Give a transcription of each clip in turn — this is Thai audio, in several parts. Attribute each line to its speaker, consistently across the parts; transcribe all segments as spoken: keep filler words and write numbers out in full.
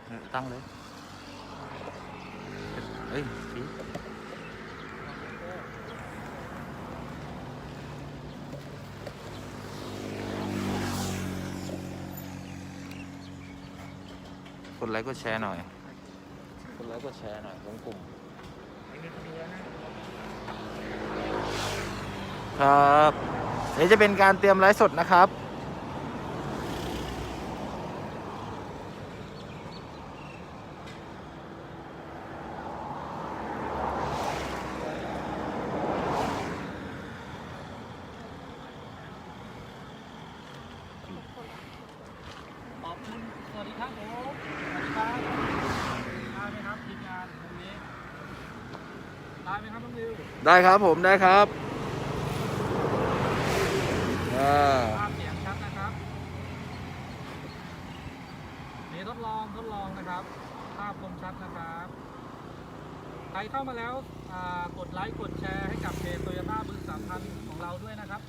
Speaker 1: ตั้งเลยเฮ้ยพี่กดไลค์กดแชร์หน่อยกดไลค์กดแชร์หน่อยของกลุ่มครับนี่จะเป็นการเตรียมไลฟ์สดนะครับ
Speaker 2: ขอบคุณสวัสดีครับผมสวัสดีครับได้ไหมครับทีมงานตรงนี้ได้ไหมครับน้องดิว
Speaker 1: ได้ครับผมได้ครับ
Speaker 2: ภาพเสียงชัดนะครับนี่ทดลองทดลองนะครับภาพคมชัดนะครับใครเข้ามาแล้วกดไลค์กดแชร์ให้กับเพจโตโยต้าบึงสามพันของเราด้วยนะครับ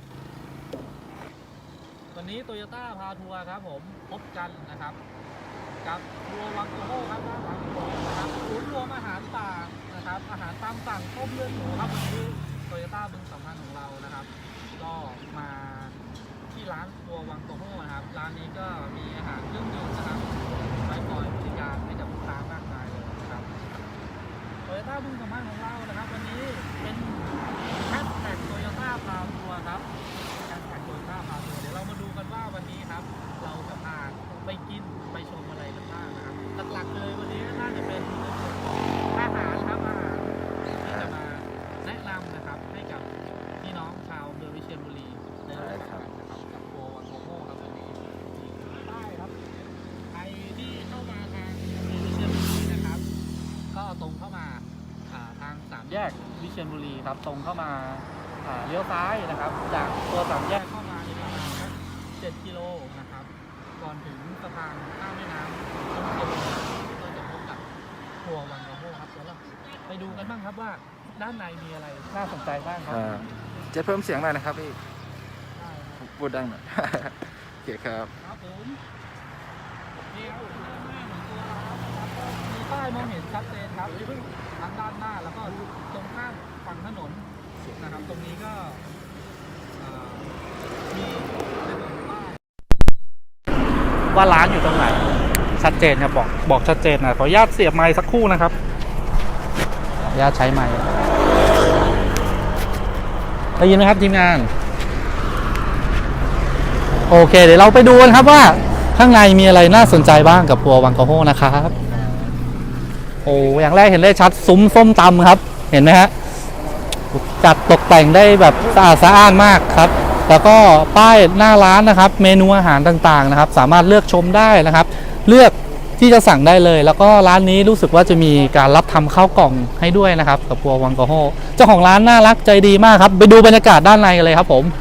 Speaker 2: วันนี้โตโยต้าพาทัวร์ครับผมพบกันนะครับกับทัวร์วังโกโฮครับด้านหลังผมนะครับศูนย์รวมอาหารป่านะครับอาหารตามสั่งต้มเลือดหมูครับวันนี้โตโยต้าบึงสามพันของเรานะครับก็มาที่ร้านครัววังโกโฮนะครับร้านนี้ก็มีอาหารเครื่องดื่มนะครับไว้คอยบริการให้กับลูกค้ามากมายเลยนะครับโตโยต้าบึงสามพันของเรานะครับวันนี้เป็นแฮชแท็กโตโยต้าพาทัวร์ครับแฮชแท็กโตโยต้าพาทัวร์เดี๋ยวเรามาดูกันว่าวันนี้ครับเราจะพาไปกินไปชมอะไรกันบ้างนะครับหลักๆเลยวันนี้น่าจะเป็นอาหารครับอาหารที่จะมาแนะนำนะครับให้กับพี่น้องชาวอำเภอวิเชียรบุรีได้รู้จักกันนะครับกับโกวังโกโฮครับวันนี้ได้ครับใครที่เข้ามาทางอำเภอวิเชียรบุรีนะครับก็ตรงเข้ามาทางสามแยกวิเชียรบุรีครับตรงเข้ามาเลี้ยวซ้ายนะครับจากตัวสามแยกเข้ามาในประมาณสักเจ็ดกิโลนะครับก่อนถึงสะพานข้ามแม่น้ำต้องเก็บก็จะพบกับครัววังโกโฮครับเดี๋ยวเราไปดูกันบ้างครับว่าด้านในมีอะไรน่าสนใจบ้างครับ
Speaker 1: จะเพิ่มเสียงหน่อยนะครับพี่
Speaker 2: ได้ครับ
Speaker 1: พูดดังหน่อย โอเคครับ
Speaker 2: ครับผมนี่ครับด้านหน้าของตัวเราครับก็มีป้ายมองเห็นชัดเจนครับทั้งด้านหน้าแล้วก็ตรงข้ามฝั่งถนนนะครับตรงนี้ก็มีป้ายว่าร้านอยู่ตรงไหนชัดเจนครับบอกบอกชัดเจนนะขออนุญาตเสียบไมค์สักครู่นะครับขออนุญาตใช้ไมค์ได้ยินไหมครับทีมงานโอเคเดี๋ยวเราไปดูกันครับว่าข้างในมีอะไรน่าสนใจบ้างกับครัววังโกโฮนะครับโอ้อย่างแรกเห็นได้ชัดซุ้มส้มตำครับเห็นไหมฮะจัดตกแต่งได้แบบสะอาดสะอ้านมากครับแล้วก็ป้ายหน้าร้านนะครับเมนูอาหารต่างๆนะครับสามารถเลือกชมได้นะครับเลือกที่จะสั่งได้เลยแล้วก็ร้านนี้รู้สึกว่าจะมีการรับทำข้าวกล่องให้ด้วยนะครับกับครัววังโกโฮเจ้าของร้านน่ารักใจดีมากครับไปดูบรรยากาศด้านในกันเลยครับผม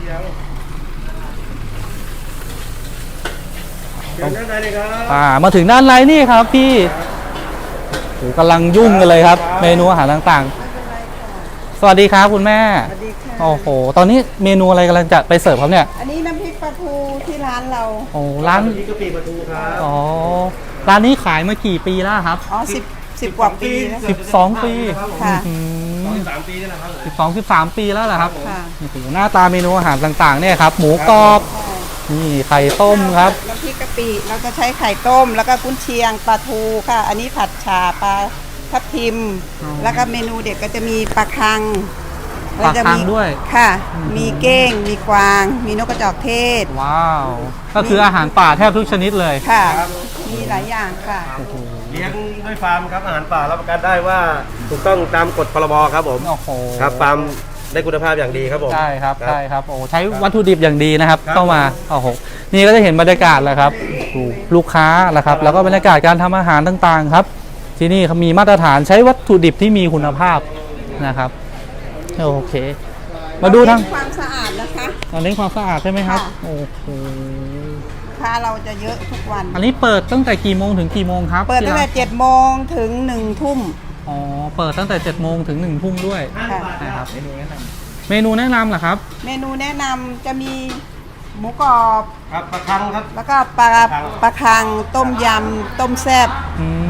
Speaker 2: ด้านในเลยครับอ่ามาถึงด้านในนี่ครับพี่โหกำลังยุ่งกันเลยครับเมนูอาหารต่างๆสวัสดีครับคุณแม่
Speaker 3: สวัสดีค่ะ
Speaker 2: โอ้โหตอนนี้เมนูอะไรกำลังจะไปเสิร์ฟครับเนี่ย
Speaker 3: อันนี้น้ำพริกปลาทูที่ร้านเรา
Speaker 2: โอ้ร้าน
Speaker 4: นี้กะปิปลาทูครับ
Speaker 2: อ๋อร้านนี้ขายมากี่ปีแล้วครับ
Speaker 3: อ๋อสิบสิบกว่าปีแล้ว
Speaker 2: สิบสองปี
Speaker 3: ค่ะ
Speaker 4: สองสามปีนี่แหละครับ
Speaker 2: สิบสองสิบสามปีแล้วเหรอครับ
Speaker 3: ค่ะ
Speaker 2: โอ้โหหน้าตาเมนูอาหารต่างๆเนี่ยครับหมูกรอบนี่ไข่ต้มครับ
Speaker 3: น้ำพริกกะปิเราจะใช้ไข่ต้มแล้วก็กุ้นเชียงปลาทูค่ะ อันนี้ผัดฉ่าปลาทับทิม แล้วก็เมนูเด็ดก็จะมีปลาคัง
Speaker 2: ปลาคังด้วย
Speaker 3: ค่ะมีเก้งมีกวางมีนกกระจอกเทศ
Speaker 2: ว้าวก็คืออาหารป่าแทบทุกชนิดเลย
Speaker 3: ค่ะมีหลายอย่างค่ะ
Speaker 4: เลี้ยงด้วยฟาร์มครับอาหารป่ารับประกันได้ว่าถูกต้องตามกฎพรบครับผม
Speaker 2: โอ้โห
Speaker 4: ครับฟาร์มได้คุณภาพอย่างดีครับผม
Speaker 2: ใช่ครับใช่ครับโอ้ใช้วัตถุดิบอย่างดีนะครับเข้ามาโอ้โหนี่ก็จะเห็นบรรยากาศแหละครับลูกค้าแหละครับแล้วก็บรรยากาศการทำอาหารต่างๆครับที่นี่เขามีมาตรฐานใช้วัตถุดิบที่มีคุณภาพนะครับโอเคมาดูทาง
Speaker 3: ความสะอาดนะคะ
Speaker 2: เน้นความสะอาดใช่ไหมครับโอ้โห
Speaker 3: ค้าเราจะเยอะทุกวัน
Speaker 2: อันนี้เปิดตั้งแต่กี่โมงถึงกี่โมงครับ
Speaker 3: เปิดตั้งแต่เจ็ดโมงถึงหนึ่งทุ่ม
Speaker 2: อ๋อเปิดตั้งแต่เจ็ดโมงถึงหนึ่งทุ่มด้วยนะครับเมนูแนะนำเมนูแนะนำเหรอครับ
Speaker 3: เมนูแนะนำจะมีหมูกรอบ
Speaker 4: ครับปลาคังครับ
Speaker 3: แล้วก็ปลาปลาคังต้มยำต้มแซ่บ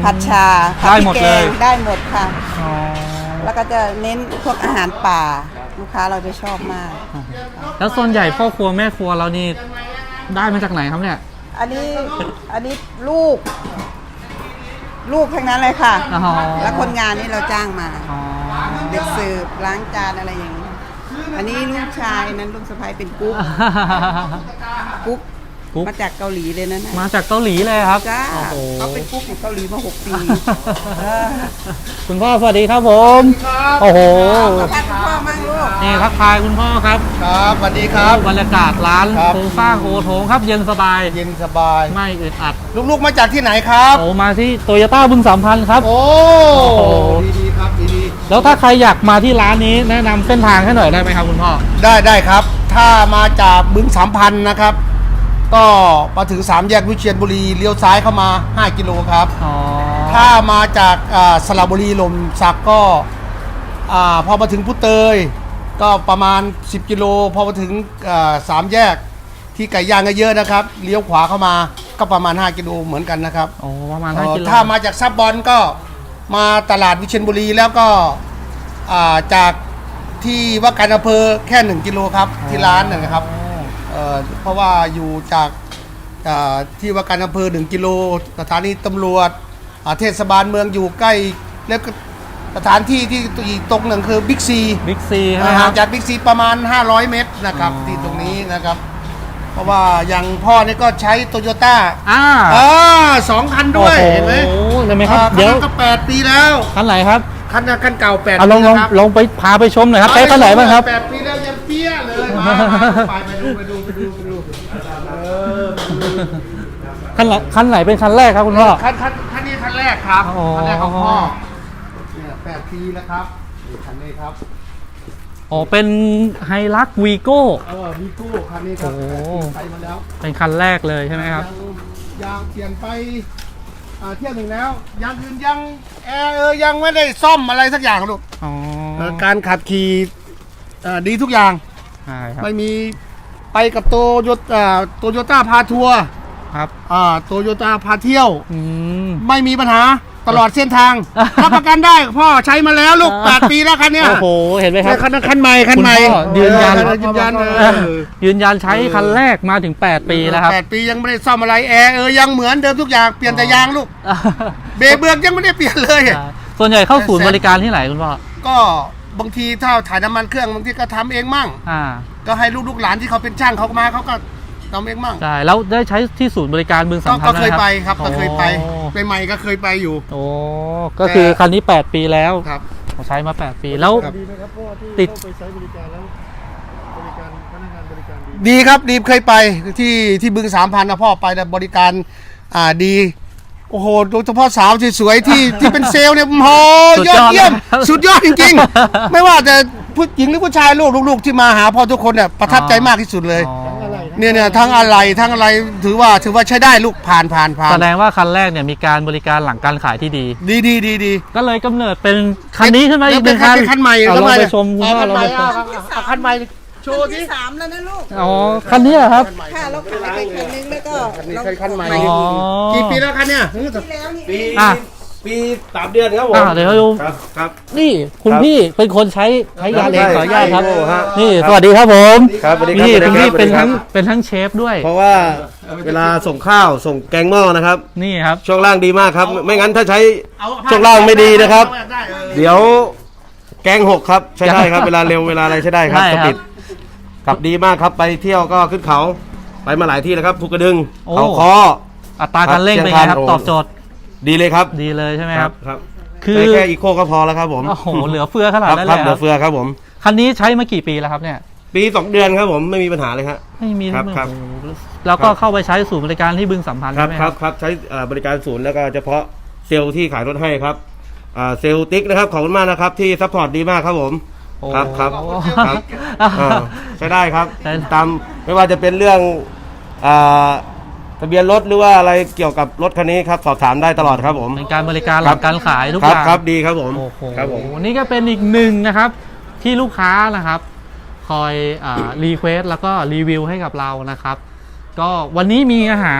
Speaker 3: ผัดชาผั
Speaker 2: ได้
Speaker 3: พริก
Speaker 2: หมด
Speaker 3: แก
Speaker 2: เลย
Speaker 3: งได้หมดค่ะ
Speaker 2: อ๋อ
Speaker 3: แล้วก็จะเน้นพวกอาหารป่า ลูกค้าเราจะชอบมาก
Speaker 2: แล้วส่วนใหญ่พ่อครัวแม่ครัวเรานี่ได้มาจากไหนครับเนี่ย
Speaker 3: อันนี้อันนี้ลูก ลูกทั้งนั้นเลยค่ะ
Speaker 2: อ๋อ
Speaker 3: แล้วคนงานนี่เราจ้างมา
Speaker 2: อ๋อ
Speaker 3: เด็กเสิร์ฟล้างจานอะไรอย่างนี้ อันนี้ลูกชายนั้นลูกสะใภ้เป็นกุ๊กกุ๊ก
Speaker 2: กุ๊ก
Speaker 3: มาจากเกาหลีเลยนะน่ะ
Speaker 2: มาจากเกาหลีเลยครับ
Speaker 3: จ้า
Speaker 2: โอ้โห
Speaker 3: เขาเป็นกุ๊กของเกาหลีมาหกปีเออ
Speaker 2: คุณพ่อสวัสดีครับผมโอ้โห
Speaker 3: สัมภาษณ์คุณพ่อมั่งลูก
Speaker 2: นี่ทักทายคุณพ่อครับ
Speaker 4: ครับสวัสดีครับ
Speaker 2: บรรยากาศร้าน
Speaker 4: ครับ
Speaker 2: โครงสร้างโอโถงครับ เย็นสบาย
Speaker 4: เย็นสบาย
Speaker 2: ไม่อึดอัด
Speaker 4: ลูกๆมาจากที่ไหนครับ
Speaker 2: โอ้มาที่โตโยต้าบึงสามพันครับ
Speaker 4: โอ้
Speaker 2: โอ้
Speaker 4: ดีๆครับดี
Speaker 2: แล้วถ้าใครอยากมาที่ร้านนี้แนะนำเส้นทางให้หน่อยได้ไหมครับคุณพ่อ
Speaker 4: ๆได้ได้ครับ ถ้ามาจากบึงสามพันนะครับ ก็มาถึงสามแยกวิเชียรบุรีเลี้ยวซ้ายเข้ามาห้ากิโลครับ
Speaker 2: อ๋อ
Speaker 4: ถ้ามาจากอ่าสระบุรีลมสักก็อ่าพอมาถึงพุเตย ก็ประมาณสิบกิโลพอมาถึงอ่าสามแยกที่ไก่ย่างเยอะๆนะครับเลี้ยวขวาเข้ามาก็ประมาณห้ากิโลเหมือนกันนะครับ
Speaker 2: โอ้ประมาณ
Speaker 4: เอ่
Speaker 2: ห้า
Speaker 4: อ
Speaker 2: กิโล
Speaker 4: ถ้ามาจากซับบอลก็มาตลาดวิเชียรบุรีแล้วก็อ่าจากที่ว่าการอำเภอแค่หนึ่งกิโลครับที่ร้านนะครับเอ่อเพราะว่าอยู่จากอ่าที่ว่าการอำเภอหนึ่งกิโลสถานีตำรวจอ่าเทศบาลเมืองอยู่ใกล้แล้วก็สถานที่ที่อีกตรงหนึ่งคือบิ๊กซี
Speaker 2: บิ๊กซีใช่ไหมค
Speaker 4: ห่า
Speaker 2: รั
Speaker 4: ง
Speaker 2: บ
Speaker 4: จากบิ๊กซีประมาณห้าร้อยเมตรนะครับ
Speaker 2: อ๋อ
Speaker 4: ที่ตรงนี้นะครับ เพราะว่าอย่างพ่อนี่ก็ใช้โตโยต้า
Speaker 2: อ่า
Speaker 4: อ่าสองคันด้วยเห็นไหม
Speaker 2: โอ้โหเห็นไหมครับ
Speaker 4: อ่า
Speaker 2: เดี๋ยว
Speaker 4: คันนั้นก็แปดปีแล้ว
Speaker 2: คันไหนครับ
Speaker 4: คันนั้นคันเก่าแปด
Speaker 2: เอาล
Speaker 4: ปี
Speaker 2: องลอง
Speaker 4: นะครับ
Speaker 2: ลองไปพาไปชมหน่อยครับใช้คันไหนบ้างครับ
Speaker 4: แปดปีแล้วยังเปี้ยเลยมามาไปไปดูไปดูไปดูไปดูเออ
Speaker 2: คันไหนคันไหนเป็นคันแรกครับคุณพ่อ
Speaker 4: คันคันคันนี้คันแรกครับ
Speaker 2: อ๋อ
Speaker 4: คันแรกของพ่อเนี่ยแปดปีแล้วครับนี่คันนี้ครับ
Speaker 2: อ๋อเป็นไฮลักวีโก้
Speaker 4: เออมีกู้คันนี้ครับ
Speaker 2: โอ้
Speaker 4: แปดปีไปมาแล้ว
Speaker 2: เป็นคันแรกเลยใช่ไหมครับ
Speaker 4: ยังยางเปลี่ยนไปอ่าเที่ยวหนึ่งแล้วยางอื่นยังแอร์เออยังไม่ได้ซ่อมอะไรสักอย่างลูก
Speaker 2: อ๋อ
Speaker 4: เอ่อการขับขี่อ่าดีทุกอย่าง
Speaker 2: ใช่ครับ
Speaker 4: ไม่มีไปกับโตโยต้าโตโยต้าพาทัวร์
Speaker 2: ครับ
Speaker 4: อ่าโตโยต้าพาเที่ยว
Speaker 2: อืม
Speaker 4: ไม่มีปัญหาตลอดเส้นทาง รับประกันได้พ่อใช้มาแล้วลูก
Speaker 2: อ่า
Speaker 4: แปดปีแล้วคันเนี้ย
Speaker 2: โอ้โหเห็นไหมค
Speaker 4: เนี่
Speaker 2: รับ
Speaker 4: ยคันนั้นคันใหม่คันใหม่
Speaker 2: คุณพ่อยืนยัน
Speaker 4: เออยืนยันเอ
Speaker 2: เออ
Speaker 4: อ
Speaker 2: ยืนยันใช้คันแรกมาถึงแปดปีแล้วครับ
Speaker 4: แปดปียังไม่ได้ซ่อมอะไรแอร์เออยังเหมือนเดิมทุกอย่างเปลี่ยนแต่ยางลูกเบรกเบือกยังไม่ได้เปลี่ยนเลย
Speaker 2: ส่วนใหญ่เข้าศูนย์บริการที่ไหนคุณพ่อ
Speaker 4: ก็บางทีถ้าถ่ายน้ำมันเครื่องบางทีก็ทำเองมั่ง
Speaker 2: อ่า
Speaker 4: ก็ให้ลูกๆหลานที่เขาเป็นช่างเขามาเขาก็ทำเองมั่ง
Speaker 2: ใช่แล้วได้ใช้ที่ศูนย์บริการบึงสา
Speaker 4: ก็
Speaker 2: มพัน
Speaker 4: ก็เคย
Speaker 2: หม
Speaker 4: ไปครับก็เคยไป
Speaker 2: โอ้
Speaker 4: ใหม่ๆก็เคยไปอยู่
Speaker 2: โอ้ก็คือคันนี้แปดปีแล้ว
Speaker 4: ครับ
Speaker 2: ใช้มาแปดปีแล้ว
Speaker 4: ครับ
Speaker 5: ดีไหมครับเพราะว่าที่
Speaker 2: ติด
Speaker 5: เข้าไปใช้บริการแล้วบริการพนักงานบริการดี
Speaker 4: ดีครับดีเคยไปที่ที่บึงสามพันนะพ่อไปแล้วบริการอ่าดีโอ้โหโดยเฉพาะสาวสวยๆที่ที่เป็นเซลล์เนี่ยโอ้โห
Speaker 2: สุด
Speaker 4: ย
Speaker 2: ย
Speaker 4: อ
Speaker 2: อ
Speaker 4: ด
Speaker 2: ด
Speaker 4: เยี่ยม
Speaker 2: เลย
Speaker 4: สุดยอดจริงๆ ไม่ว่าจะผู้หญิงหรือผู้ชายลูกลูกๆที่มาหาพ่อทุกคนเนี่ยประทับใจมากที่สุดเลย
Speaker 2: อ๋อ
Speaker 4: เนี่ยเนี่ยทั้งอะไรทั้งอะไรถือว่าถือว่าใช้ได้ลูกผ่านผ่านผ่าน
Speaker 2: แสดงว่าคันแรกเนี่ยมีการบริการหลังการขายที่ดี
Speaker 4: ดีดีดีดี
Speaker 2: ก็เลยกำเนิดเป็นคันนี้ขึ้นมาอีกหนึ่ง
Speaker 4: เป็
Speaker 2: คัน
Speaker 4: เป็นคันใหม่
Speaker 2: เอาลอง
Speaker 4: คันใหม่
Speaker 2: ไปชมคุณพ่อ
Speaker 4: คัน
Speaker 2: ลอง
Speaker 4: ใหม่
Speaker 2: ไปชม
Speaker 4: เอาเอาเอาคันใหม่โชว์
Speaker 3: ที่
Speaker 4: ที่
Speaker 3: สามแล้วนะลูก
Speaker 2: อ๋อคันนี้เหรอครับ
Speaker 3: ค่ะเราขายไปคันนึงแล้วก็
Speaker 4: คันนี้
Speaker 3: เรา
Speaker 4: คันใหม่
Speaker 2: อ๋อ
Speaker 4: กี่ปีแล้วคันเนี่ย
Speaker 3: ที่แล้วนี่
Speaker 4: ปี
Speaker 2: อ่ะ
Speaker 4: ปีสามเดือนครับผม
Speaker 2: อ่าเดี๋ยวเราดู
Speaker 4: ครับครับ
Speaker 2: นี่คุณ
Speaker 4: ครับ
Speaker 2: พี่เป็นคนใช้ใช้ยาเองขออนุญาตครับ
Speaker 4: โอ้ฮะ
Speaker 2: นี่สวัสดีครับผม
Speaker 4: ครับสวัสดีครับ
Speaker 2: นี่
Speaker 4: สวั
Speaker 2: คุณ
Speaker 4: สดี
Speaker 2: พี่
Speaker 4: ครับ
Speaker 2: เป็น
Speaker 4: สวัสดีครับ
Speaker 2: ทั้งเป็นทั้งเชฟด้วย
Speaker 4: เพราะว่าเวลาส่งข้าวส่งแกงหม้อนะครับ
Speaker 2: นี่ครับ
Speaker 4: ช่วงล่างดีมากครับ ไม่งั้นถ้าใช้ช่วงล่างไม่ดีนะครับ เดี๋ยวแกงหกครับใช้ได้ครับ เวลาเร็วเวลาอะไรใช้ได้ครับ
Speaker 2: ได้
Speaker 4: ส
Speaker 2: ครับ
Speaker 4: ปิดกลับดีมากครับไปเที่ยวก็ขึ้นเขาไปมาหลายที่แล้วครับภูกระดึง
Speaker 2: โอ้
Speaker 4: เขาคอ
Speaker 2: อัตราการเร่งเป็นไงครับ
Speaker 4: โอ้
Speaker 2: ตอบโจทย์
Speaker 4: ดีเลยครับ
Speaker 2: ดีเลยใช่ไหมครับ
Speaker 4: ครับ
Speaker 2: คือ
Speaker 4: ใช้แค่อีโคก็พอแล้วครับผม
Speaker 2: โอ้โหเหลือเฟือขนาด
Speaker 4: ครับ
Speaker 2: นั้น
Speaker 4: ค
Speaker 2: เล
Speaker 4: รับ
Speaker 2: ย
Speaker 4: เห
Speaker 2: ค
Speaker 4: ลื
Speaker 2: รั
Speaker 4: อบ เฟือครับผม
Speaker 2: คันนี้ใช้มากี่ปีแล้วครับเนี่ย
Speaker 4: ปีสองเดือนครับผมไม่มีปัญหาเลยครับ
Speaker 2: ไม่มี
Speaker 4: ครับ
Speaker 2: โอ้โห
Speaker 4: ครับ
Speaker 2: แล้วก็
Speaker 4: ครับ
Speaker 2: เข้าไปใช้ศูนย์บริการที่บึงสัมพันธ์
Speaker 4: ครับ
Speaker 2: ใช่ไหม
Speaker 4: ค
Speaker 2: ค
Speaker 4: รั
Speaker 2: รั
Speaker 4: บบ ครับใช้เอ่อบริการศูนย์แล้วก็เฉพาะเซลล์ที่ขายรถให้ครับอ่าเซลล์ติ๊กนะครับขอบคุณมากนะครับที่ซัพพอร์ตดีมากครับผม
Speaker 2: โอ้
Speaker 4: ครับครับ
Speaker 2: โอ้
Speaker 4: ครับอ่าใช้ได้ครับ
Speaker 2: ใช้ได้
Speaker 4: ตามไม่ว่าจะเป็นเรื่องอ่าทะเบียนรถหรือว่าอะไรเกี่ยวกับรถคันนี้ครับสอบถามได้ตลอดครับผม
Speaker 2: เป็นการบริการหลังการขายทุก
Speaker 4: ค
Speaker 2: อ
Speaker 4: รับ
Speaker 2: ย่าง
Speaker 4: ครับดีครับผม
Speaker 2: โอ้โห
Speaker 4: ครับผม
Speaker 2: นี่ก็เป็นอีกหนึ่งนะครับที่ลูกค้านะครับ คอยรีเควสแล้วก็รีวิวให้กับเรานะครับ ก็วันนี้มีอาหาร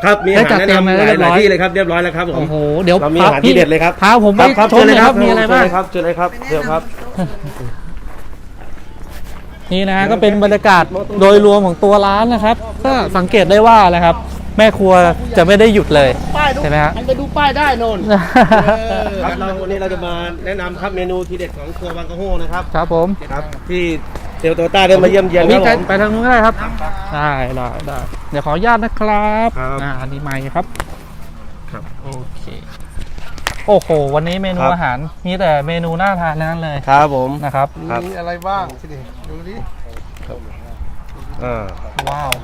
Speaker 6: ครับมีอา
Speaker 2: ได้
Speaker 6: หาร
Speaker 2: จัด
Speaker 6: แนะ
Speaker 2: เตรียม
Speaker 6: นำ
Speaker 2: ไว้
Speaker 6: ห
Speaker 2: เรียบ
Speaker 6: ลา
Speaker 2: ร้
Speaker 6: ย
Speaker 2: อย
Speaker 6: ๆที่เลยครับเรียบร้อยแล้วครับผม
Speaker 2: โอ้โหเดี๋ยว
Speaker 6: เรามี
Speaker 2: พ
Speaker 6: อาหารที่เด็ดเลยครับ
Speaker 2: พาผมไป
Speaker 6: ครับ
Speaker 2: ชมหน่อยครับ
Speaker 6: เชิ
Speaker 2: มี
Speaker 6: ญ
Speaker 2: อะไร
Speaker 6: เลย
Speaker 2: บ้าง
Speaker 6: ครับเชิญเลยครับเชิญเลยครับเดี๋ยวครับ
Speaker 2: นี่นะฮะก็เป็นบรรยากาศโดยรวมของตัวร้านนะครับก็สังเกตได้ว่านะครับ แม่ครัวจะไม่ได้หยุดเลยใช่ไหมฮะ
Speaker 4: ไปดูป้ายได้นน
Speaker 6: ครับเราวันนี้เราจะมาแนะนำครับเมนูทีเด็ดของครัวบางกะโฮนะครับ
Speaker 2: ครับผม
Speaker 6: ครับที่เซลโตต้าได้มาเยี่ยมเยียนค
Speaker 2: พี่
Speaker 6: รับ
Speaker 2: ไป
Speaker 6: ผม
Speaker 2: ไปทางนู้นก็ได้ครับได้ได้ได้เดี๋ยวขออนุญาตนะครับ
Speaker 6: ครับ
Speaker 2: อ่าอันนี้ไมค์ครับ
Speaker 6: ครับ
Speaker 2: โอเคโอ้โหวันนี้เมนู
Speaker 6: ครับ
Speaker 2: อาหารมีแต่เมนูน่าทานทั้งนั้นเลย
Speaker 6: ครับผม
Speaker 2: นะครับ
Speaker 6: ครับ
Speaker 4: มีอะไรบ้างสิดูดิ
Speaker 6: อ่า
Speaker 2: ว้าว